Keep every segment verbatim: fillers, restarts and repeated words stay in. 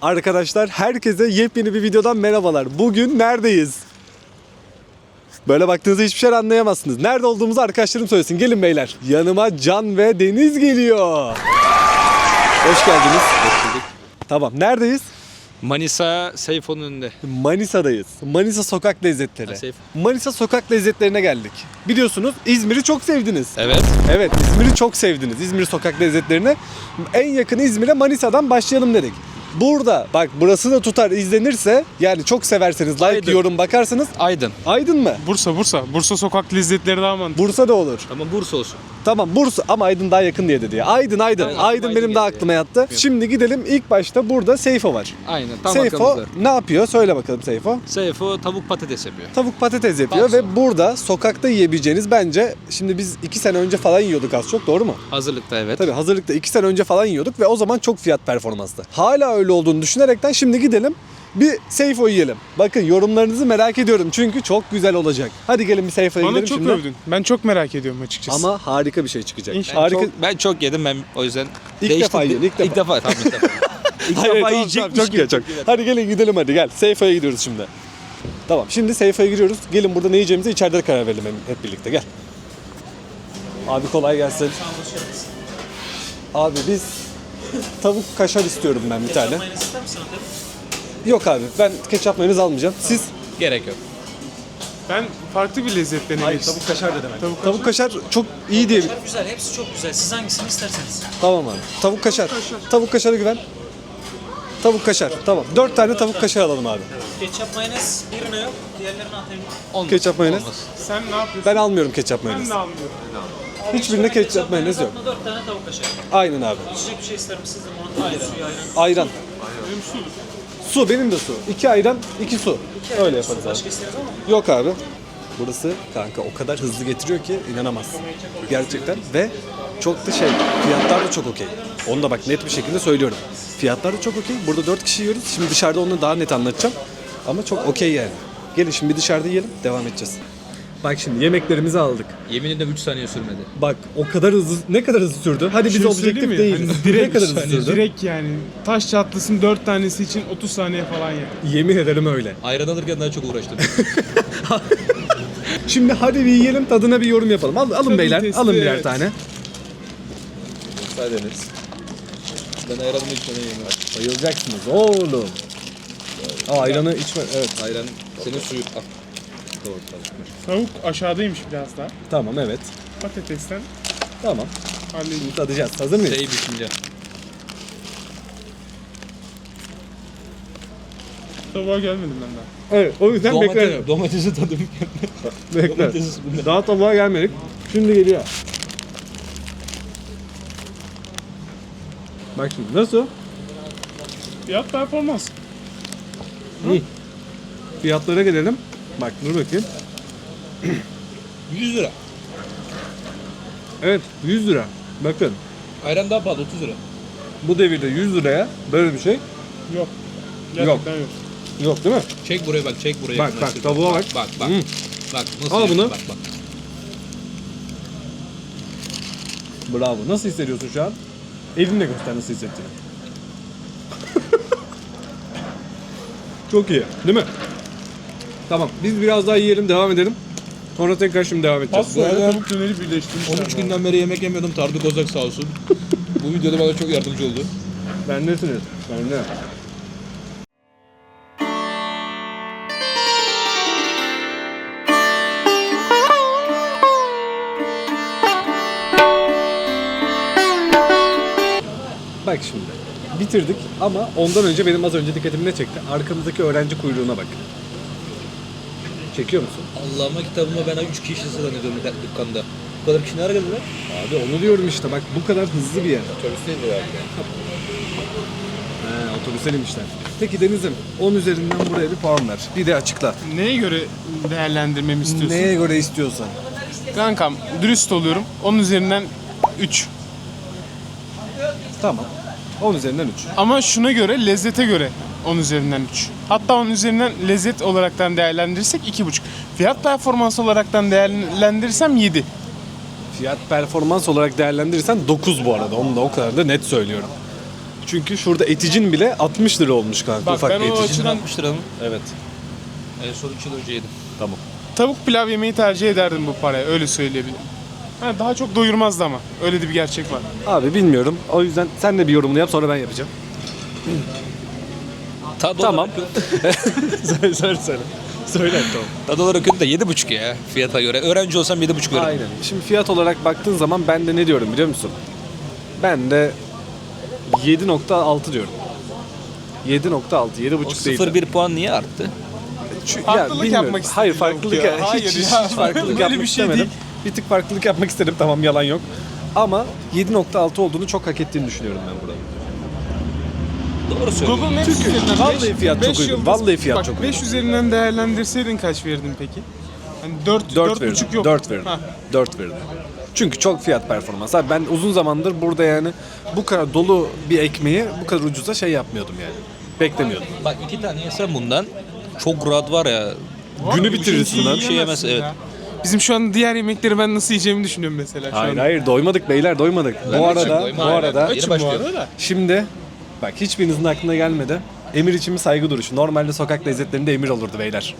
Arkadaşlar herkese yepyeni bir videodan merhabalar. Bugün neredeyiz? Böyle baktığınızda hiçbir şey anlayamazsınız. Nerede olduğumuzu arkadaşlarım söylesin. Gelin beyler. Yanıma Can ve Deniz geliyor. Hoş geldiniz. Hoş bulduk. Tamam, neredeyiz? Manisa Seyfo'nun önünde. Manisa'dayız. Manisa sokak lezzetleri. Ha, Seyfo. Manisa sokak lezzetlerine geldik. Biliyorsunuz İzmir'i çok sevdiniz. Evet. Evet, İzmir'i çok sevdiniz. İzmir sokak lezzetlerine. En yakın İzmir'e Manisa'dan başlayalım dedik. Burada bak burası da tutar izlenirse, yani çok severseniz like, Aydın. yorum bakarsanız. Aydın. Aydın mı? Bursa, Bursa. Bursa sokak lezzetleri daha mantıklı. Bursa da olur. Ama Bursa olsun. Tamam Bursa ama Aydın daha yakın diye dedi ya. Aydın Aydın. Aynen, Aydın Aydın benim daha geldi aklıma yattı. Şimdi gidelim, ilk başta burada Seyfo var. Aynen. Tam Seyfo arkamızda. ne yapıyor? Söyle bakalım Seyfo. Seyfo tavuk patates yapıyor. Tavuk patates yapıyor Bakso. ve burada sokakta yiyebileceğiniz, bence şimdi biz iki sene önce falan yiyorduk az çok, doğru mu? Hazırlıkta evet. Tabii hazırlıkta iki sene önce falan yiyorduk ve o zaman çok fiyat performanstı. Hala öyle olduğunu düşünerekten şimdi gidelim bir Seyfo yiyelim. Bakın yorumlarınızı merak ediyorum çünkü çok güzel olacak. Hadi gelin bir Seyfo'ya Bana gidelim çok şimdi. övdün. Ben çok merak ediyorum açıkçası. Ama harika bir şey çıkacak. İnşallah. Ben, Harika. çok, ben çok yedim ben o yüzden İlk değiştim. defa yiyin, ilk defa. İlk defa. Tamam ilk defa. İlk Hayır, defa tamam, yiyecekmiş tamam, çok iyi, çok. Hadi gelin gidelim hadi gel. Seyfo'ya gidiyoruz şimdi. Tamam şimdi Seyfo'ya giriyoruz. Gelin burada ne yiyeceğimize içeride karar verelim hep birlikte, gel. Abi kolay gelsin. Abi biz tavuk kaşar istiyorum ben bir tane. Yok abi ben ketçap mayonez almayacağım. Siz? Gerek yok. Ben farklı bir lezzetlerine Hayır geçtim. tavuk kaşar dedim. Tavuk Tavuk kaşar çok iyi diye. Kaşar güzel, hepsi çok güzel. Siz hangisini isterseniz. Tamam abi. Tavuk kaşar. Tavuk kaşara güven. Tavuk kaşar. Tamam. Dört tane tavuk kaşar alalım abi. Ketçap, mayonez birine yok, diğerlerini atayım. Olmaz. Ketçap mayonez. Olmaz. Sen ne yapıyorsun? Ben almıyorum ketçap Ben mayonez. de almıyorum. Hiçbirinde ketçap mayonez yok. Dört tane tavuk kaşar. Aynen abi. İçecek bir şey ister misiniz? Limon, ayran, suyu, ayran. Ayran. Benim su. Su, benim de su. İki ayran, iki su. Öyle yaparız abi. Başka isteriz ama. Yok abi. Burası kanka o kadar hızlı getiriyor ki inanamazsın. Gerçekten ve çok da şey, fiyatlar da çok okey. Onu da bak net bir şekilde söylüyorum. Fiyatlar da çok okey. Burada dört kişi yiyoruz. Şimdi dışarıda onu daha net anlatacağım. Ama çok okey yani. Gelin şimdi bir dışarıda yiyelim, devam edeceğiz. Bak şimdi yemeklerimizi aldık. Yemin ederim üç saniye sürmedi. Bak o kadar hızlı, ne kadar hızlı sürdü? Hadi biz Şey objektif söyleyeyim mi? değiliz. Hani direkt, ne kadar hızlı hani sürdü? direkt yani taş çatlasın dört tanesi için otuz saniye falan ya. Yemin ederim öyle. Ayran alırken daha çok uğraştım. Şimdi hadi bir yiyelim, tadına bir yorum yapalım. Al, alın Tabii beyler, testi, alın birer evet. tane. Müsaadeniz. Ben ayranımı içmeden yiyeyim. Bayılacaksınız oğlum. Aa, ayranı içme, evet. Ayran senin suyu. Al. Doğru tamam. Tavuk aşağıdaymış biraz daha. Tamam, evet. Patatesten Tamam. halledeyim. Şimdi tadacağız. Hazır mıyız? Şey düşünce. Tavuğa gelmedim ben daha. Evet, o yüzden beklerim. Domates, domatesi tadım. Bekler. Domates üstünde. Daha tabağa gelmedik. Şimdi geliyor. Bak şimdi nasıl? Fiyat performans. İyi. Fiyatlara gelelim. Bak dur bakayım. yüz lira. Evet, yüz lira. Bakın Ayran daha pahalı otuz lira. bu devirde yüz liraya böyle bir şey Yok. Gerçekten yok. yok değil mi? Çek buraya bak, çek buraya. Bak, Nasıl- bak, tavuğa bak. Bak, bak. Hmm. Bak, nasıl Al yapıyor? bunu. Bak, bak. Bravo. Nasıl hissediyorsun şu an? Elinle göster nasıl hissettiğini. Çok iyi, değil mi? Tamam, biz biraz daha yiyelim, devam edelim. Sonra tekrar şimdi devam edeceğiz. Pasta ile tavuk döneri birleştirmişler. on üç günden beri yemek yemiyordum. Tardı Kozak sağ olsun. Bu videoda bana çok yardımcı oldu. Bendesiniz. Bende. Bak şimdi. Bitirdik ama ondan önce benim az önce dikkatimi ne çekti? Arkamızdaki öğrenci kuyruğuna bak. Çekiyor musun? Allah'ıma kitabıma ben üç kişi zannediyorum dükkanda. Bu kadar kişi nereye geldiler? Abi onu diyorum işte, bak bu kadar hızlı bir yer. Otobüs değil de He, otobüse inmişler. Peki Deniz'im on üzerinden buraya bir puan ver. Bir de açıkla. Neye göre değerlendirmemi istiyorsun? Neye göre istiyorsan. Kankam dürüst oluyorum. onun üzerinden üç. Tamam. on üzerinden üç. Ama şuna göre, lezzete göre on üzerinden üç. Hatta on üzerinden lezzet olaraktan değerlendirirsek iki buçuk. Fiyat performans olaraktan değerlendirirsem yedi. Fiyat performans olarak değerlendirirsen dokuz bu arada. Onu da o kadar da net söylüyorum. Çünkü şurada eticin bile altmış lira olmuş kanka. Bak ufak ben bir o eticin. açıdan altmış lira mı? Evet. En son üç yıl önce yedim. Tamam. tavuk pilav yemeyi tercih ederdim bu paraya, öyle söyleyebilirim. Ha, daha çok doyurmazdı ama. Öyle de bir gerçek var. Abi bilmiyorum. O yüzden sen de bir yorumunu yap sonra ben yapacağım. Tadı Tamam. olarak, söyle söyle söyle. Söyle tamam. tadı olarak kötü de yedi buçuk ya fiyata göre. Öğrenci olsam yedi buçuk veririm. Aynen. Şimdi fiyat olarak baktığın zaman ben de ne diyorum biliyor musun? Ben de yedi nokta altı diyorum. yedi nokta altı, yedi O buçuk değil. sıfır bir puan niye arttı? Çünkü- Farklılık bilmiyorum. yapmak istedim Hayır yok farklılık ya. ya. Hayır hiç, hiç, ya. hiç farklılık Böyle yapmak bir şey istemedim. değil. Bir tık farklılık yapmak istedim, tamam, yalan yok. Ama yedi nokta altı olduğunu çok hak ettiğini düşünüyorum ben buranın. Doğru söylüyorsun. Google Maps üzerinden vallahi beş- fiyat çok beş uygun. yıldız- Vallahi fiyat bak, çok beş üzerinden değerlendirseydin kaç verdin peki? Hani dört, dört dört verirdim. buçuk yok. dört verirdim. Ha. dört verirdim. Çünkü çok fiyat performans. Abi ben uzun zamandır burada yani bu kadar dolu bir ekmeği bu kadar ucuza şey yapmıyordum yani. Beklemiyordum. Bak iki tane yesem bundan çok rahat var ya. Günü bitirirsin lan. Bir şey yemez, evet. Ya. Bizim şu an diğer yemekleri ben nasıl yiyeceğimi düşünüyorum mesela şu Hayır an. hayır doymadık beyler doymadık. Ben bu açım, arada doyma. bu Aynen. arada Yeni Açım bu başlıyor. arada. şimdi bak hiçbirinizin aklına gelmedi. Emir için bir saygı duruşu. Normalde sokak lezzetlerinde emir olurdu beyler.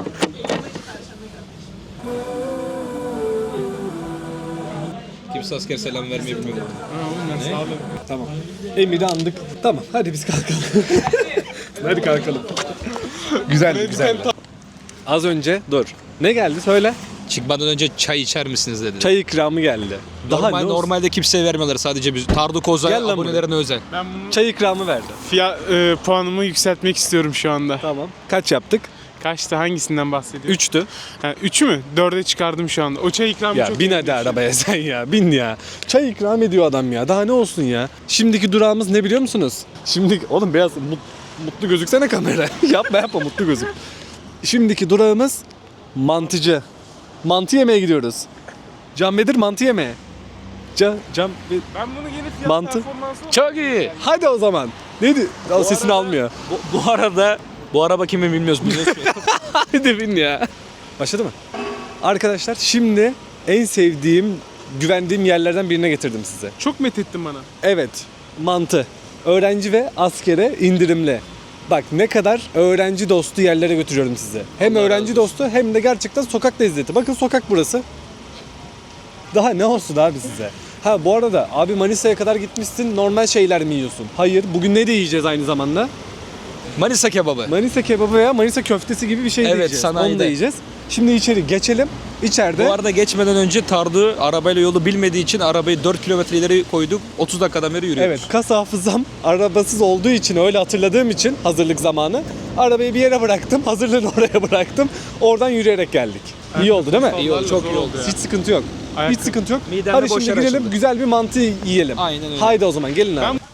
Kimse asker selam vermeyi bilmiyor. Tamam. Emir'i andık. Tamam hadi biz kalkalım. hadi kalkalım. güzel güzel. Az önce dur. Ne geldi söyle. Çıkmadan önce çay içer misiniz dedi. Çay ikramı geldi. Daha Normal, ne olsun? normalde kimseye vermiyorlar, sadece biz. Tardu Kozay Gel lan abonelerine özel. Ben bunun Çay ikramı verdi. fiyat, e, puanımı yükseltmek istiyorum şu anda. Tamam. Kaç yaptık? Kaçtı? Hangisinden bahsediyorsun? Üçtü. Ha, üçü mü? Dörde çıkardım şu anda. O çay ikramı Ya çok bin iyi. hadi arabaya sen ya. Bin ya. Çay ikram ediyor adam ya. Daha ne olsun ya. Şimdiki durağımız ne biliyor musunuz? Şimdi oğlum beyaz mut- mutlu gözüksene kamera. yapma yapma mutlu gözük. Şimdiki durağımız mantıcı. Mantı yemeye gidiyoruz. Can Bedir mantı yemeye. Can, Can Be- Ben bunu yeni fiyat Mantı. performansı Çok iyi. Hadi o zaman. Neydi? O sesini arada- almıyor. Bu, bu arada bu araba kimin bilmiyoruz. Biliyorsun. Hadi bin ya. Başladı mı? Arkadaşlar şimdi en sevdiğim, güvendiğim yerlerden birine getirdim size. çok methettin bana. Evet, mantı. Öğrenci ve askere indirimli. Bak ne kadar öğrenci dostu yerlere götürüyorum sizi. Hem Allah öğrenci razı dostu hem de gerçekten sokak lezzeti. Bakın sokak burası. Daha ne olsun abi size? Ha bu arada abi Manisa'ya kadar gitmişsin, normal şeyler mi yiyorsun? Hayır, bugün ne de yiyeceğiz aynı zamanda? Manisa kebabı. Manisa kebabı veya Manisa köftesi gibi bir şey de Evet, yiyeceğiz. sanayide. Onu da yiyeceğiz. Şimdi içeri geçelim. İçeride Bu arada geçmeden önce Tardu arabayla yolu bilmediği için arabayı dört kilometre ileri koyduk. otuz dakikadan beri yürüyoruz. evet, kas hafızam arabasız olduğu için, öyle hatırladığım için hazırlık zamanı arabayı bir yere bıraktım, hazırlığını oraya bıraktım. Oradan yürüyerek geldik. İyi oldu değil mi? İyi oldu, çok Zor iyi oldu. ya. Hiç sıkıntı yok. Ayakkabı. Hiç sıkıntı yok. Midemde Hadi şimdi boşlar gidelim, açıldı. güzel bir mantı yiyelim. Aynen öyle. Haydi o zaman gelin abi. Ben-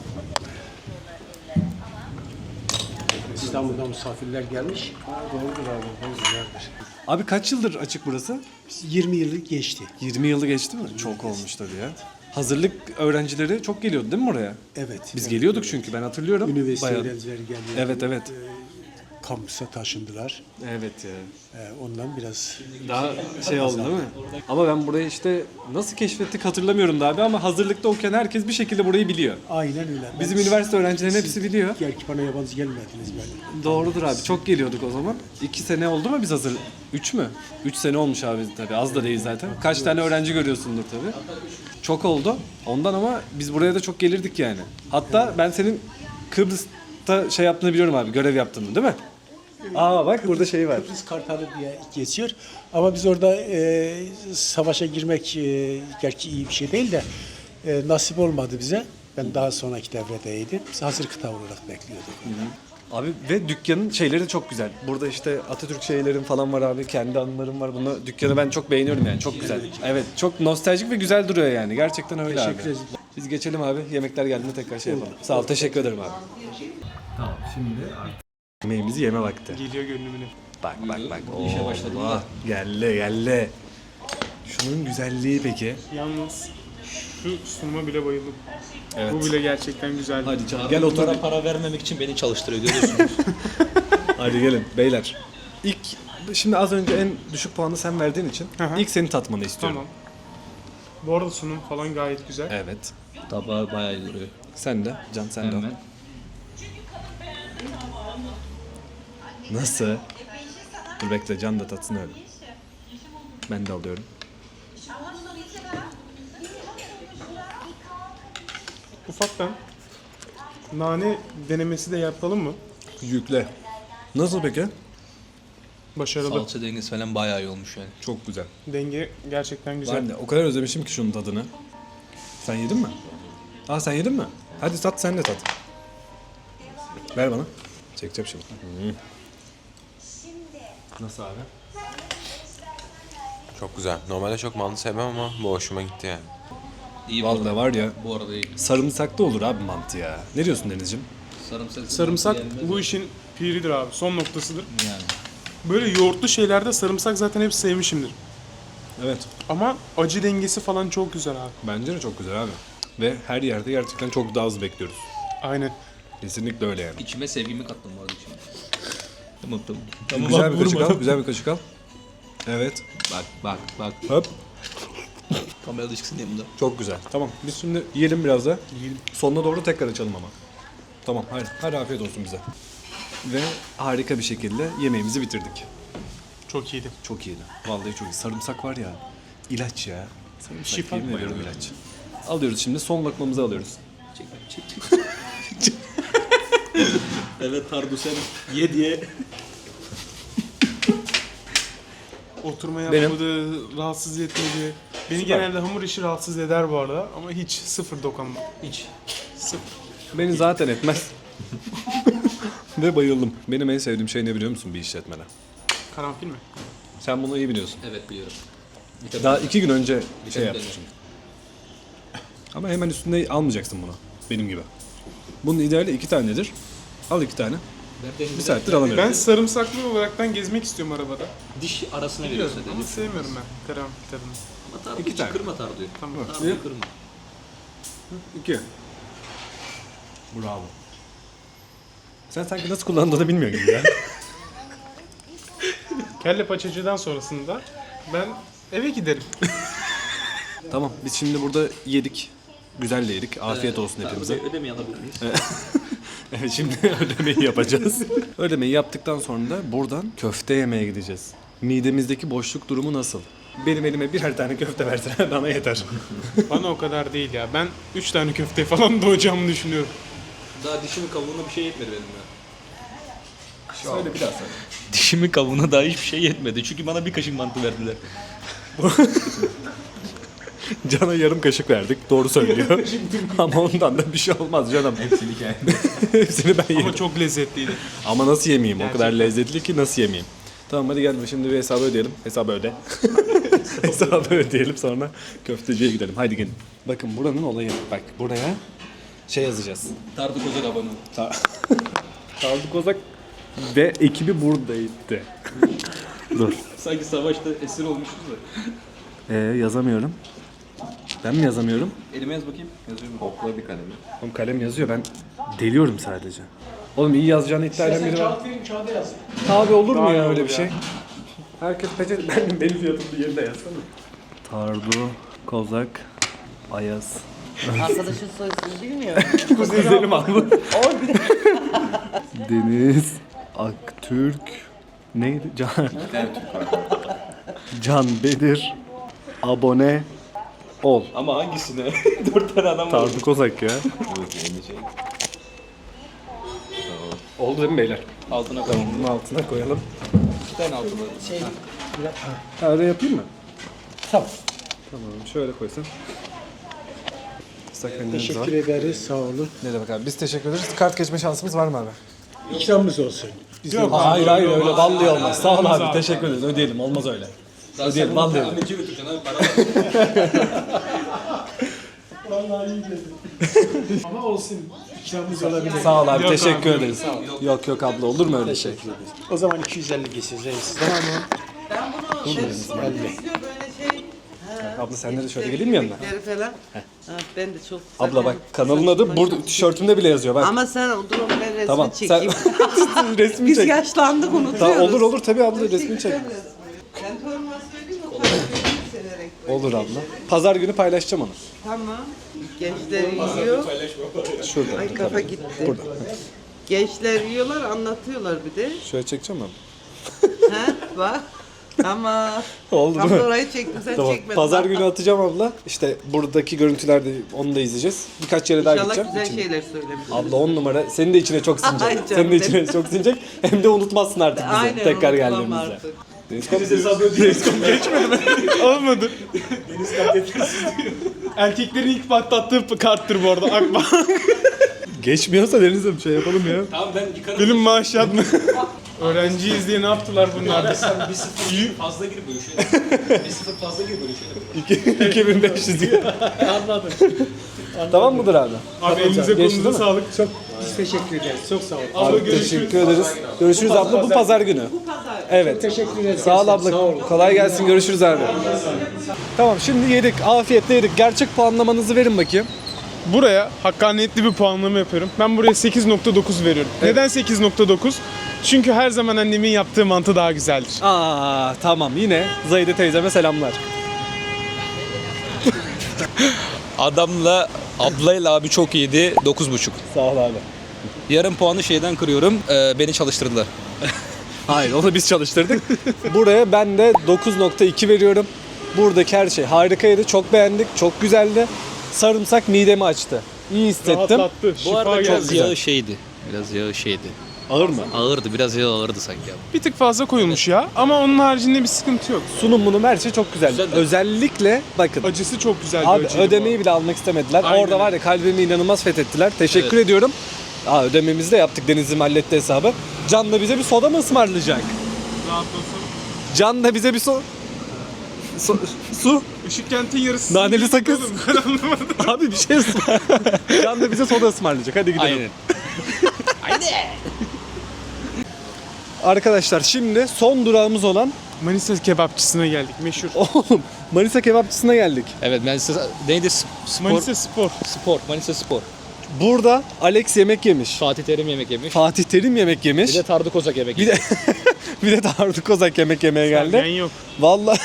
İstanbul'dan misafirler gelmiş. Doğrudur abi. Güzeldir. Abi kaç yıldır açık burası? yirmi yıllık geçti. yirmi yılı geçti mi? Çok olmuş tabii ya. Hazırlık öğrencileri çok geliyordu değil mi oraya? Evet. Biz evet. geliyorduk çünkü ben hatırlıyorum. Üniversite Bayağı. öğrencileri geliyor. Evet evet. Kampüse taşındılar. Evet ya. Ee, ondan biraz Daha şey oldu değil mi? Ama ben burayı işte nasıl keşfettik hatırlamıyorum da abi, ama hazırlıkta okuyan herkes bir şekilde burayı biliyor. aynen öyle. Bizim Ben- üniversite öğrencilerinin hepsi biliyor. Gerçi bana yabancı gelmediniz böyle. Doğrudur abi, çok geliyorduk o zaman. İki sene oldu mu biz hazır? Üç mü? Üç sene olmuş abi tabii, az da değil zaten. Kaç tane öğrenci görüyorsundur tabii. Çok oldu. Ondan ama biz buraya da çok gelirdik yani. Hatta ben senin Kıbrıs'ta şey yaptığını biliyorum abi, görev yaptığını değil mi? Aa bak burada şey var. Kıbrıs Kartalı diye geçiyor. Ama biz orada e, savaşa girmek e, gerçi iyi bir şey değil de e, nasip olmadı bize. Ben daha sonraki devredeydim. Biz hazır kıta olarak bekliyorduk. Abi ve dükkanın şeyleri de çok güzel. Burada işte Atatürk şeylerin falan var abi. Kendi anılarım var. Bunu dükkanı ben çok beğeniyorum yani. Çok güzel. Evet, çok nostaljik ve güzel duruyor yani. Gerçekten öyle abi. Teşekkür ederim. Biz geçelim abi. Yemekler geldiğinde tekrar şey yapalım. Sağ ol. Teşekkür ederim abi. Tamam, şimdi artık yemeğimizi yeme vakti. Geliyor gönlümüne. Bak bak bak. Allah. Geldi geldi. Şunun güzelliği peki. Yalnız şu sunuma bile bayıldım. Evet. Bu bile gerçekten güzeldi. Hadi canım gel otur. Bunlara para vermemek için beni çalıştırıyor, görüyorsunuz. Hadi gelin beyler. İlk şimdi az önce en düşük puanı sen verdiğin için Hı hı. ilk seni tatmanı istiyorum. Tamam. Bu arada sunum falan gayet güzel. Evet. Tabağı bayağı iyi duruyor. Sen de. Can sen de al. Hemen. Nasıl? Dur bekle Can da tatsın öyle. Ben de alıyorum. Ufaktan nane denemesi de yapalım mı? Yükle. Nasıl peki? Başarılı. Salça dengesi falan bayağı iyi olmuş yani. Çok güzel. Denge gerçekten güzel. Ben de o kadar özlemişim ki şunun tadını. Sen yedin mi? Aa sen yedin mi? Hadi tat sen de tat. Ver bana. Çekeceğim şimdi. Hmm. Nasıl abi? Çok güzel. Normalde çok mantı sevmem ama bu hoşuma gitti yani. İyi bu Vallahi arada. var ya Bu arada iyi. sarımsaklı olur abi mantı ya. Ne diyorsun Denizciğim? Sarımsak. Sarımsak yenmez bu mi? işin piridir abi. Son noktasıdır. Yani. Böyle yoğurtlu şeylerde sarımsak zaten hep sevmişimdir. Evet. Ama acı dengesi falan çok güzel abi. Bence de çok güzel abi. Ve her yerde gerçekten çok daha az bekliyoruz. Aynen. Kesinlikle öyle yani. İçime sevgimi kattım bu arada içime. Tamam tamam. Güzel bir kaşık al, güzel bir kaşık al. Evet. Bak bak bak. Hop. Kamerada çıksın yanımda. Çok güzel. Tamam. Biz şimdi yiyelim biraz da. Yiyelim. Sonuna doğru tekrar açalım ama. Tamam. Hadi. Hadi afiyet olsun bize. Ve harika bir şekilde yemeğimizi bitirdik. Çok iyiydi. Çok iyiydi. Vallahi çok iyi. Sarımsak var ya. İlaç ya. Sarımsak Şifa yemin mı ediyorum yani? ilaç. Alıyoruz şimdi. Son lokmamızı alıyoruz. Çek çek çek. Evet Tardu sen ye diye. Oturma Benim- yapmadı, rahatsız etmedi. Beni genelde hamur işi rahatsız eder bu arada ama hiç sıfır dokunma. İç. Sıfır. Beni zaten etmez. Ve bayıldım. Benim en sevdiğim şey ne biliyor musun bir işletmede? Karanfil mi? Sen bunu iyi biliyorsun. Evet biliyorum. Daha iki gün önce şey tane yapmışım. Ama hemen üstünde almayacaksın bunu. Benim gibi. Bunun ideali iki tanedir. Al iki tane. Bir saattir alamıyorum. Ben sarımsaklı olaraktan gezmek istiyorum arabada. Diş arasına Biliyorum veriyorsun ama dedi. sevmiyorum ben karanfil tadını. Ama Tardu İki hiç tane. kırma Tardu'yu. Tamam. Tardu'yu kırma. İki. Bravo. Sen sanki nasıl kullandığını bilmiyor gibi ya. Kelle paçacıdan sonrasında ben eve giderim. Tamam biz şimdi burada yedik. Güzel de yedik. Afiyet olsun hepimize. Ödeme alabilir miyiz? Evet şimdi ödemeyi yapacağız. Ödemeyi yaptıktan sonra da buradan köfte yemeye gideceğiz. Midemizdeki boşluk durumu nasıl? Benim elime birer tane köfte versen bana yeter. Bana o kadar değil ya. Ben üç tane köfte falan doğacağımı düşünüyorum. Daha dişimin kabuğuna bir şey yetmedi benim ya. Söyle bir daha söyle. Dişimin kabuğuna daha hiçbir şey yetmedi. Çünkü bana bir kaşık mantı verdiler. Can'a yarım kaşık verdik. Doğru söylüyor. Ama ondan da bir şey olmaz canım. Hepsini kendim. Hepsini ben yerim. Ama çok lezzetliydi. Ama nasıl yemeyeyim? O kadar Gerçekten. lezzetli ki nasıl yemeyeyim? Tamam hadi gel şimdi bir hesabı ödeyelim. Hesabı öde. hesabı ödeyelim sonra köfteciye gidelim. Haydi gelin. Bakın buranın olayı. Bak buraya şey yazacağız. Tardu Kozak abanı. Tarık Kozak ve ekibi buradaydı. Dur. Sanki savaşta esir olmuşuz da. Ee, yazamıyorum. Ben mi yazamıyorum? Elime yaz bakayım. Yazıyor mu? Okla bir kalemi. Oğlum kalem yazıyor ben deliyorum sadece. Oğlum iyi yazacağını iddia eden biri var. Abi olur mu Daha iyi ya olur öyle bir ya. şey? Herkes peçete benim, benim fiyatımı yerine yazsana. Tardu, Kozak, Ayaz. Arkadaşın soyisini bilmiyor. Kuzenim abi. Deniz, Aktürk, neydi? Can. Can Bedir, abone ol. Ama hangisine? Dört tane adam var. Tardu Kozak ya. Oldu değil mi beyler? Altına koyalım. Bunun altına koyalım. İki tane altına. Şey, Ha, öyle yapayım mı? Tamam. Tamam şöyle koysan. Islak mendilimiz var. Teşekkür ederiz. Sağ olun. Ne demek abi? Biz teşekkür ederiz. Kart geçme şansımız var mı abi? İkramımız olsun. Yok Hayır hayır öyle olmaz. vallahi olmaz. Sağ ol Olmaz abi. abi. Teşekkür ederiz. Ödeyelim. Olmaz öyle. Daha Ödeyelim. sen Vallahi bunu ödeyelim. anneciye götüreceksin abi. Para Ama olsun. İkramımız olabilir. Sağ ol abi. Yok teşekkür abi, ederiz. Yok yok abla olur mu öyle şey? O zaman iki yüz elli geçeceğiz reis. Tamam mı? ben bunu şey, böyle şey. Abla sen de şöyle geleyim mi yanına? Geri falan. Ha, ben de çok Abla bak kanalın adı burada tişörtümde bile yazıyor bak. Ama sen dur ben resmi Tamam sen çekeyim. resmi Biz çek. yaşlandık unutuyoruz. Tamam, olur olur tabii abla resmi çek. Ben torunuma söyleyeyim o kadar söyleyeyim severek. Olur abla. Pazar günü paylaşacağım onu. Tamam. Gençler yiyor. Şurada. Ay kafa gitti. Burada. Gençler yiyorlar, anlatıyorlar bir de. Şöyle çekeceğim mi? Ha bak. Tamam. Oldu Tam mu? da orayı çektim, sen Tamam. çekmedin. Pazar Bak. günü atacağım abla. İşte buradaki görüntülerde onu da izleyeceğiz. Birkaç yere daha İnşallah gideceğim. güzel İçine- şeyler söylemişsin. Abla on numara. Senin de içine çok sinecek. Ay canım Senin de içine benim. çok sinecek. Hem de unutmazsın artık bizi. Aynen, tekrar unutulamam geldiğimizde. artık. Olmadı. Erkeklerin ilk patlattığı karttır bu arada Akbank. Geçmiyorsa Deniz'e bir şey yapalım ya. Tamam ben yıkarım. Benim maaşat mı? Öğrenciyiz diye ne yaptılar bunlar? Sen bir sıfır fazla gir böyle şeyler. Bir sıfır fazla gir böyle şeyler. iki bin beş yüz diye. Anladım. Tamam mıdır abi? Abi elinize Geçti kolunuza değil mi? sağlık. Çok Teşekkür ederiz. Çok sağ olun. Abla Abi görüşürüz. teşekkür ederiz. Görüşürüz abla bu pazar günü. Evet. Teşekkür ederiz. Sağ ol abla. Kolay gelsin. Görüşürüz abi. Tamam şimdi yedik. Afiyetle yedik. Gerçek puanlamanızı verin bakayım. Buraya hakkaniyetli bir puanlama yapıyorum. Ben buraya sekiz nokta dokuz veriyorum. Neden sekiz nokta dokuz? Çünkü her zaman annemin yaptığı mantı daha güzeldir. Aa tamam yine Zahide teyzeme selamlar. Adamla ablayla abi çok iyiydi. dokuz buçuk. Sağ ol abi. Yarım puanı şeyden kırıyorum. Ee, beni çalıştırdılar. Hayır onu biz çalıştırdık. Buraya ben de dokuz nokta iki veriyorum. Buradaki her şey harikaydı. Çok beğendik. Çok güzeldi. Sarımsak midemi açtı. İyi hissettim. Rahatlattı. Bu Şifa arada biraz geldi. yağı şeydi. Biraz yağı şeydi. Ağır mı? Ağırdı. Biraz yağı ağırdı sanki abi. Bir tık fazla koyulmuş ya. Ama onun haricinde bir sıkıntı yok. Sunum bunun her şey çok güzel. Güzel de- Özellikle bakın. Acısı çok güzel bir Abi acıydı bu ödemeyi arada. bile almak istemediler. Aynen Orada var ya kalbimi inanılmaz fethettiler. Teşekkür ediyorum. Aa, ödememizi de yaptık. Deniz'im halletti hesabı. Can da bize bir soda mı ısmarlayacak? Rahatlasın. Can da bize bir so... so- su. Işık kentin yarısı. Naneli sakız. Oğlum, ben anlamadım. Abi bir şey ısmar. Can da bize soda ısmarlayacak. Hadi gidelim. Aynen. Arkadaşlar şimdi son durağımız olan Manisa kebapçısına geldik. Meşhur. oğlum Manisa kebapçısına geldik. Evet ben size neydi S- spor Manisa Spor. spor Manisa Spor. Burada Alex yemek yemiş. Fatih Terim yemek yemiş. Fatih Terim yemek yemiş. Bir de Tardı Kozak yemek Bir yemiş. de bir de Tarık Kozak yemek yemeye Ben geldi. yok. Vallahi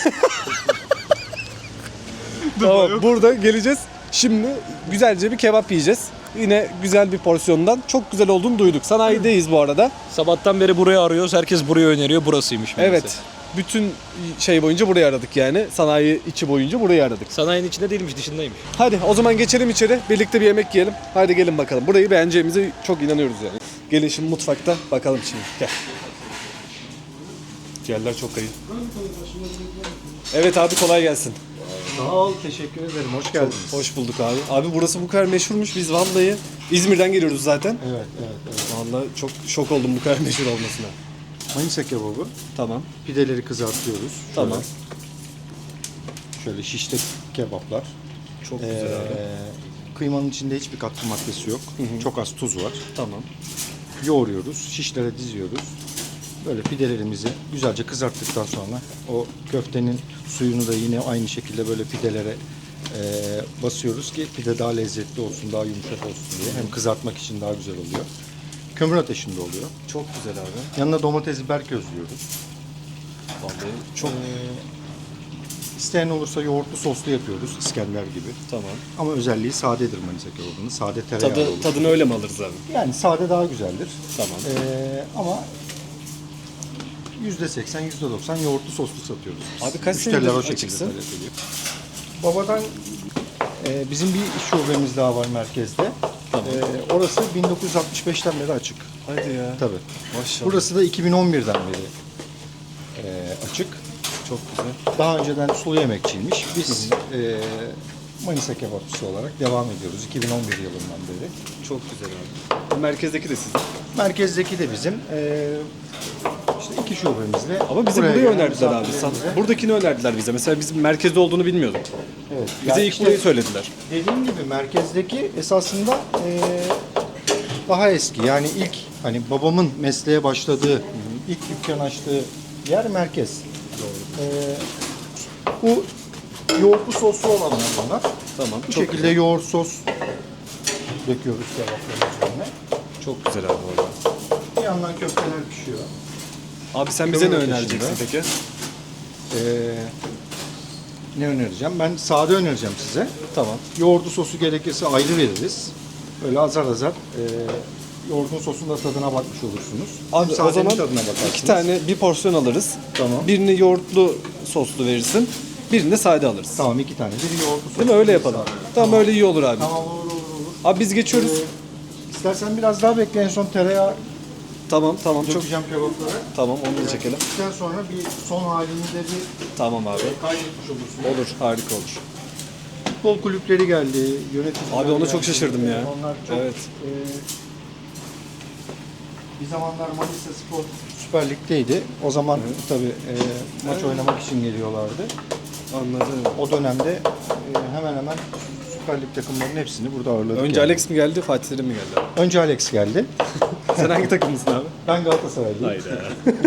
tamam, burada geleceğiz. Şimdi güzelce bir kebap yiyeceğiz. Yine güzel bir porsiyondan. Çok güzel olduğunu duyduk. Sanayideyiz bu arada. Sabahtan beri burayı arıyoruz. Herkes burayı öneriyor. Burasıymış. meğerse. Evet. Bütün şey boyunca burayı aradık yani. Sanayi içi boyunca burayı aradık. Sanayinin içinde değilmiş, dışındaymış. Hadi o zaman geçelim içeri. Birlikte bir yemek yiyelim. Hadi gelin bakalım. Burayı beğeneceğimize çok inanıyoruz yani. Gelin şimdi mutfakta bakalım şimdi. Gel. Yerler çok kayın. Evet abi kolay gelsin. Sağ ol, teşekkür ederim. Hoş geldiniz. Hoş bulduk abi. Abi burası bu kadar meşhurmuş. Biz vallahi İzmir'den geliyoruz zaten. Evet, evet, evet. Vallahi çok şok oldum bu kadar meşhur olmasına. Manisa kebabı. Tamam. Pideleri kızartıyoruz. Tamam. Şöyle, şöyle şişte kebaplar. Çok Ee, güzel abi. Kıymanın içinde hiçbir katkı maddesi yok. Çok az tuz var. Tamam. Yoğuruyoruz, şişlere diziyoruz. Böyle pidelerimizi güzelce kızarttıktan sonra o köftenin suyunu da yine aynı şekilde böyle pidelere e, basıyoruz ki pide daha lezzetli olsun, daha yumuşak olsun diye. Hem kızartmak için daha güzel oluyor. Kömür ateşinde oluyor. Çok güzel abi. Yanına domates, biber közlüyoruz. Vallahi çok İsteyen olursa yoğurtlu soslu yapıyoruz, İskender gibi. tamam. Ama özelliği sadedir Manisa kebabının. Sade tereyağı Tadı, olur. tadını öyle mi alırız abi? Yani sade daha güzeldir. Tamam. Ee, ama yüzde seksen, yüzde doksan yoğurtlu soslu satıyoruz biz. Abi kaç Müşteriler senedir o şekilde açıksın? talep ediyor. Babadan e, bizim bir iş şubemiz daha var merkezde. Tamam. E, orası bin dokuz yüz altmış beşten beri açık. Hadi ya. Tabii. Maşallah. Burası da iki bin on birden beri e, açık. Çok güzel. Daha önceden sulu yemekçiymiş. Biz e, Manisa kebapçısı olarak devam ediyoruz iki bin on bir yılından beri. Çok güzel abi. Bu merkezdeki de sizin. Merkezdeki de bizim. E, işte iki şubemizle. Ama bize buraya burayı gelen önerdiler abi. misafirlerimize- Buradakini önerdiler bize. Mesela bizim merkezde olduğunu bilmiyorduk. Evet. Bize Yani ilk işte burayı söylediler. dediğim gibi merkezdeki esasında e, daha eski. Yani ilk hani babamın mesleğe başladığı, ilk dükkan açtığı yer merkez. E, bu yoğurtlu soslu olanlar bunlar. Tamam. Bu çok şekilde güzel. yoğurt sos döküyoruz kebapların üzerine. Çok güzel abi orada. Bir yandan köfteler pişiyor. Abi sen bize ne Kömür önereceksin ateşinde. peki? Ee, ne önereceğim? Ben sade önereceğim size. Tamam. Yoğurdu sosu gerekirse ayrı veririz. Böyle azar azar e, yoğurdun sosun da tadına bakmış olursunuz. Abi Hem o sadenin zaman tadına bakarsınız. iki tane bir porsiyon alırız. Tamam. Birini yoğurtlu soslu verirsin. Birini de sade alırız. Tamam iki tane. Biri yoğurtlu sosu. Değil mi? Öyle biri yapalım. sade. Tamam, öyle iyi olur abi. Tamam olur olur olur. Abi biz geçiyoruz. Ee, istersen biraz daha bekle, en son tereyağı Tamam tamam çok dökeceğim kebaplara. tamam, onu da çekelim. Döktükten sonra bir son halini de bir Tamam abi. kaydetmiş olursun. Olur, harika olur. Futbol kulüpleri geldi, yöneticiler Abi ona çok geldi. şaşırdım ya. Onlar çok Evet. e, bir zamanlar Manisa Spor Süper Lig'deydi. O zaman tabii e, maç oynamak için geliyorlardı. Anladım. O dönemde e, hemen hemen Süper Lig takımlarının hepsini burada ağırladık. Önce yani. Alex mi geldi, Fatih Terim mi geldi? Önce Alex geldi. Sen hangi takımlısın abi? Ben Galatasaraylıyım. Hayda.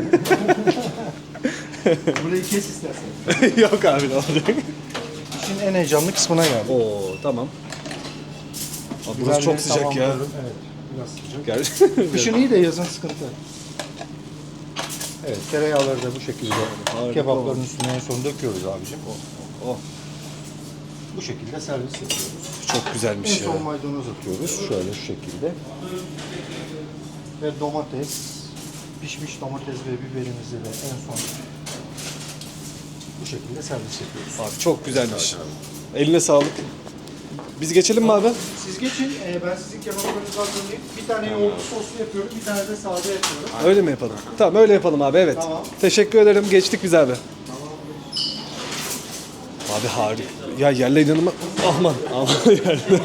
Burayı kes istersen. Yok abi, ne olacak? İşin en heyecanlı kısmına geldik. Oo tamam. Abi burası çok sıcak ya. Tamamlıyorum. Evet, biraz sıcak. Gerçekten. Kışın iyi de yazın sıkıntı. Evet, tereyağları da bu şekilde kebapların üstüne en son döküyoruz abicim. Oh, Bu şekilde servis yapıyoruz. çok güzelmiş En ya. son maydanoz atıyoruz şöyle şu şekilde. Ve domates, pişmiş domates ve biberimizi de en son bu şekilde servis yapıyoruz. Abi çok güzelmiş. Eline sağlık. Biz geçelim mi abi? Siz geçin, e, ben sizin kebaplarınızı hazırlayayım. Bir tane yoğurtlu soslu yapıyorum, bir tane de sade yapıyorum. Öyle mi yapalım? Tamam, öyle yapalım abi, evet. Tamam. Teşekkür ederim. Geçtik biz abi. Abi harika. Ya yerler inanılmaz. Aman aman yerler.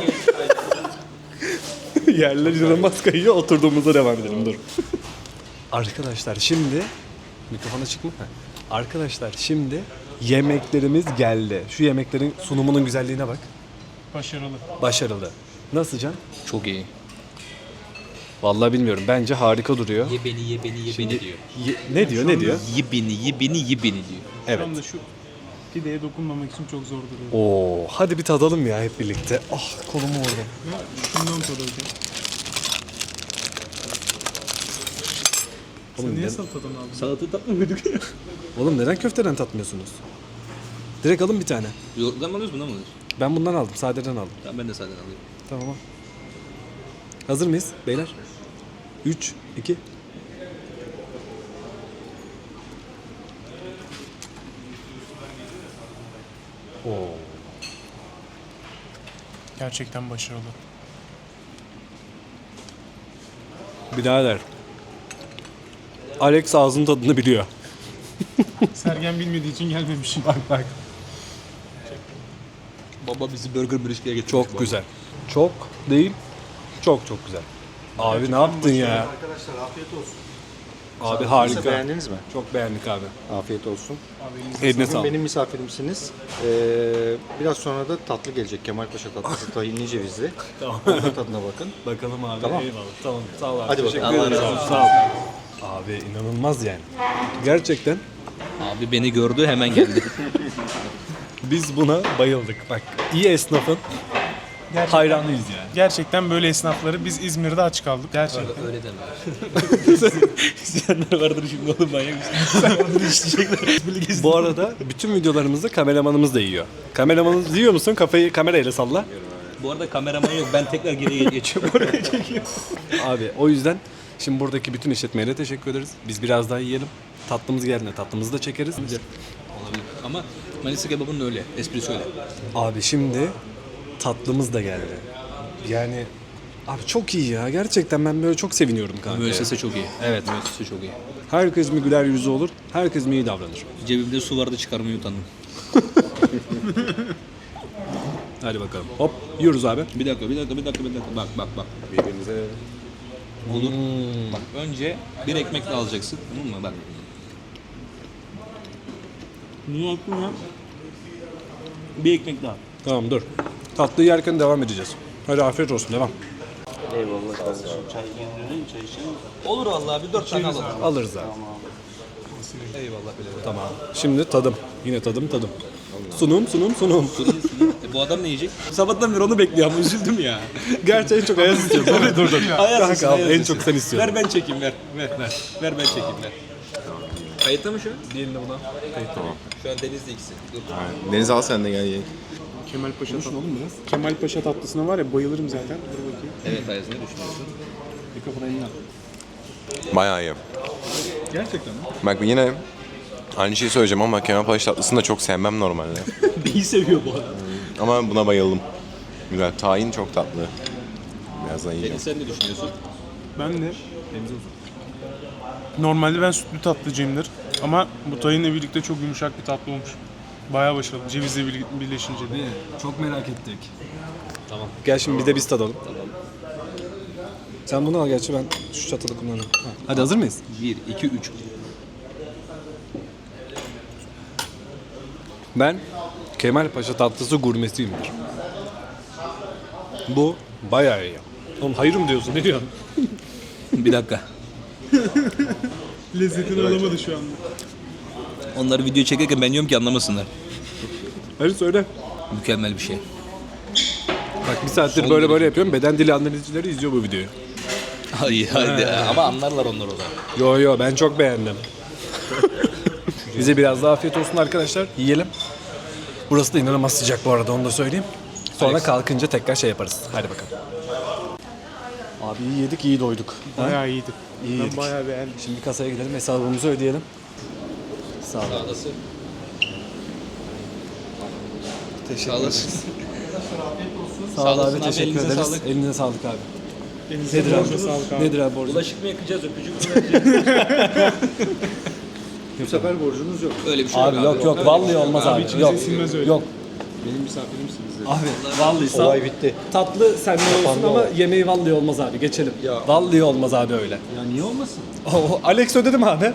Yerler inanılmaz kayıyor. Oturduğumuzda devam edelim, dur. Arkadaşlar şimdi mikrofona çıkma. Heh. Arkadaşlar şimdi yemeklerimiz geldi. Şu yemeklerin sunumunun güzelliğine bak. Başarılı. Başarılı. Nasıl Can? Çok iyi. Vallahi bilmiyorum. Bence harika duruyor. Ye beni ye beni ye beni diyor. Ye- ne diyor? Ne diyor? Ye beni ye beni ye beni diyor. Evet. Şu anda şu pideye dokunmamak için çok zor duruyor. Oo, hadi bir tadalım ya hep birlikte. Ah, kolumu vurdum. Şundan tadalım. Oğlum, Sen niye neden- salatadan aldın? Salata tatmıyorduk. Oğlum neden köfteden tatmıyorsunuz? Direkt alın bir tane. Yoğurttan mı alıyoruz bundan mı alıyoruz? Ben bundan aldım, sadeden aldım. Tamam ben de sadece alayım. Tamam. al. Hazır mıyız beyler? üç, iki. Oo. Gerçekten başarılı. Birader. Alex ağzının tadını biliyor. Sergen bilmediği için gelmemişim. Bak bak. Baba bizi burger briske'ye getirmiş. Çok güzel. Çok değil, çok çok güzel. Abi ne yaptın ya? Arkadaşlar afiyet olsun. Abi harika. Beğendiniz mi? Çok beğendik abi. Afiyet olsun. Eline Bugün sağlık. benim misafirimsiniz. Ee, biraz sonra da tatlı gelecek. Kemalpaşa tatlısı tahinli cevizli. Tamam. Onun tadına bakın. Bakalım abi. Tamam. Eyvallah. Tamam. Sağ ol abi. Hadi Teşekkür bakalım. ederim. Allah razı olsun. Sağ ol. Abi inanılmaz yani. Gerçekten Abi beni gördü hemen geldi. biz buna bayıldık. Bak iyi esnafın hayranıyız yani. Gerçekten böyle esnafları biz İzmir'de aç kaldık. Gerçekten. Öyle deme. İsteyenler vardır şimdi oğlum manyak mısın? Bu arada bütün videolarımızda kameramanımız da yiyor. Kameramanımız yiyor musun? Kafayı kamerayla salla. Bu arada kameraman yok. Ben tekrar geriye geçiyorum. Oraya çekiyorum. Abi o yüzden şimdi buradaki bütün işletmelere teşekkür ederiz. Biz biraz daha yiyelim. Tatlımız geldiğinde tatlımızı da çekeriz. Olabilir. Ama Manisa kebabının öyle. Esprisi öyle. Abi şimdi tatlımız da geldi. Yani abi çok iyi ya. Gerçekten ben böyle çok seviniyorum kanka. Müessese çok iyi. Evet. Müessese çok iyi. Herkes mi güler yüzü olur? Herkes mi iyi davranır? Cebimde su vardı çıkarmayı utandım. Hadi bakalım. Hop yiyoruz abi. Bir dakika, bir dakika, bir dakika, bir dakika. Bak, bak, bak. Birbirimize. Olur. Bak önce bir ekmek de alacaksın. Tamam mı? Bak. Niye yaptın ya? Bir ekmek daha. Tamam dur. Tatlıyı yerken devam edeceğiz. Hadi afiyet olsun, devam. Olur vallahi bir dört tane alalım. Alırız abi. Eyvallah bile. Tamam. Şimdi tadım. Yine tadım tadım. Sunum sunum sunum. E, bu adam ne yiyecek? Sabahtan beri onu bekliyor ama üzüldüm ya. Gerçi en çok Ayaz istiyor. Dur dur dur. Ayaz Kanka istiyor, al, Ayaz en istiyor. çok sen istiyorsun. Ver ben çekeyim ver. Ver ver. Ver ben çekeyim ver. Kayıtta mı şu an? Diğerini buna. Şu an Deniz'de ikisi. Dur. Deniz al sen de gel ye. Kemal Paşa tatlısı. Kemal Paşa tatlısına var ya bayılırım zaten. Dur bakayım. Evet Ayaz, ne düşünüyorsun? Mikrofonu eline al. Bayağı iyi. Gerçekten mi? Bak yine aynı şeyi söyleyeceğim ama Kemal Paşa tatlısını da çok sevmem normalde. İyi seviyor bu arada. Ama buna bayıldım. Güzel. Tahin çok tatlı. Biraz da yiyeceğim. Deniz sen ne düşünüyorsun? Ben de normalde ben sütlü tatlıcıyımdır. Ama bu tayinle birlikte çok yumuşak bir tatlı olmuş. Bayağı başarılı. Cevizle bir- birleşince de. Çok merak ettik. Tamam. Gel şimdi bir de biz tadalım. Sen bunu al, gerçi ben şu çatalı kullanırım. Hadi hazır mıyız? bir, iki, üç. Ben Kemal Paşa tatlısı gurmesiyimdir. Bu bayağı iyi. Oğlum hayır mı diyorsun? Ne diyorsun? Bir dakika. Lezzetini alamadı şu anda. Onları video çekerken ben diyorum ki anlamasınlar. Hadi söyle. Mükemmel bir şey. Bak bir saattir Son böyle derece. böyle yapıyorum. Beden dili analizcileri izliyor bu videoyu. Hayır haydi. Ama anlarlar onlar o da. Yo yo ben çok beğendim. Bize biraz daha afiyet olsun arkadaşlar. Yiyelim. Burası da inanılmaz sıcak bu arada, onu da söyleyeyim. Sonra kalkınca tekrar şey yaparız. Hadi bakalım. Abi iyi yedik, iyi doyduk. Bayağı iyiydi. İyi Ben yedik. bayağı beğendim. Şimdi kasaya gidelim, hesabımızı ödeyelim. Sağ ol. Sağlasın. Teşekkür Sağlasın. ederiz. Sağ Sağ ol olasın abi, abi, teşekkür elinize ederiz. sağlık. Elinize sağlık abi. Elinize Nedir abi? sağlık, sağlık abi. Nedir abi borcumuz? Bulaşık mı yakacağız, öpücük mü vereceğiz? Bu sefer borcunuz yok. Öyle bir şey Abi yok yok, vallahi olmaz abi. içimize Yok. sinmez öyle. Yok. Benim misafirimsiniz. Abi vallahi sağ Olay bitti. Tatlı senden olsun ama yemeği vallahi olmaz abi. Geçelim. Vallahi olmaz abi öyle. Ya niye olmasın? O, Alex ödedim abi.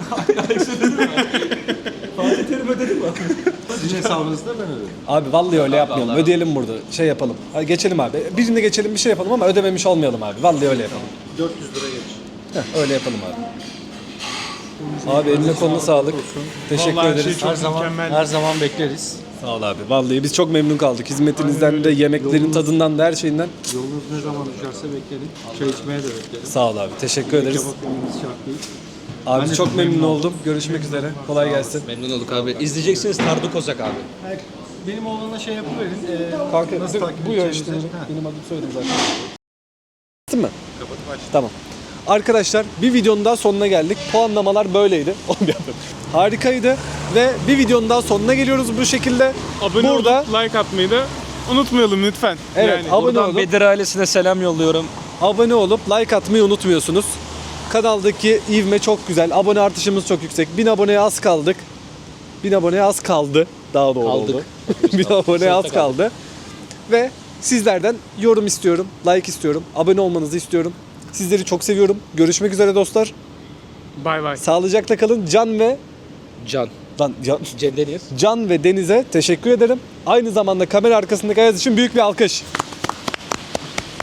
Sizin hesabınızda ben ödedim. Abi vallahi öyle yapmayalım. Ödeyelim burada. Şey yapalım. Hadi geçelim abi. Birinde geçelim, bir şey yapalım ama ödememiş olmayalım abi. Vallahi öyle yapalım. dört yüz lira geç. Heh, öyle yapalım abi. Abi eline koluna sağlık. Teşekkür Vallahi her ederiz. şey çok Her zaman mükemmel. her zaman bekleriz. Sağ ol abi. Vallahi biz çok memnun kaldık. Hizmetinizden de, yemeklerin tadından da, her şeyinden. Yolunuz ne zaman düşerse beklerim. Çay içmeye de bekleriz. Sağ ol abi. Teşekkür ederiz. Kebap yememiz şart değil. Abi Ben de çok çok memnun memnun oldum. Görüşmek üzere. Kolay gelsin. Memnun olduk abi. İzleyeceksiniz Tardu Kozak abi. Benim oğlana şey yapıverin. Ee, Kanka nasıl takip bu ya edeceğimizi- işte. Ha. Benim adım söyledim zaten. Değil mi? Kapatıp aç. Tamam. Arkadaşlar bir videonun daha sonuna geldik. Puanlamalar böyleydi. Harikaydı ve bir videonun daha sonuna geliyoruz bu şekilde. Abone Burada olup like atmayı da unutmayalım lütfen. evet, Yani. abone Buradan olup Bedir ailesine selam yolluyorum. abone olup like atmayı unutmuyorsunuz. Kanaldaki ivme çok güzel. Abone artışımız çok yüksek. bin aboneye az kaldık. bin aboneye az kaldı. Daha doğru Kaldık. oldu. bin aboneye az kaldı. Ve sizlerden yorum istiyorum. Like istiyorum. Abone olmanızı istiyorum. Sizleri çok seviyorum. Görüşmek üzere dostlar. Bay bay. Sağlıcakla kalın. Can ve Can. Lan, Can, Cem Deniz. Can ve Deniz'e teşekkür ederim. Aynı zamanda kamera arkasındaki Ayaz için büyük bir alkış.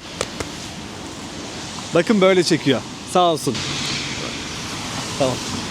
Bakın böyle çekiyor. Sağ olsun. Tamam.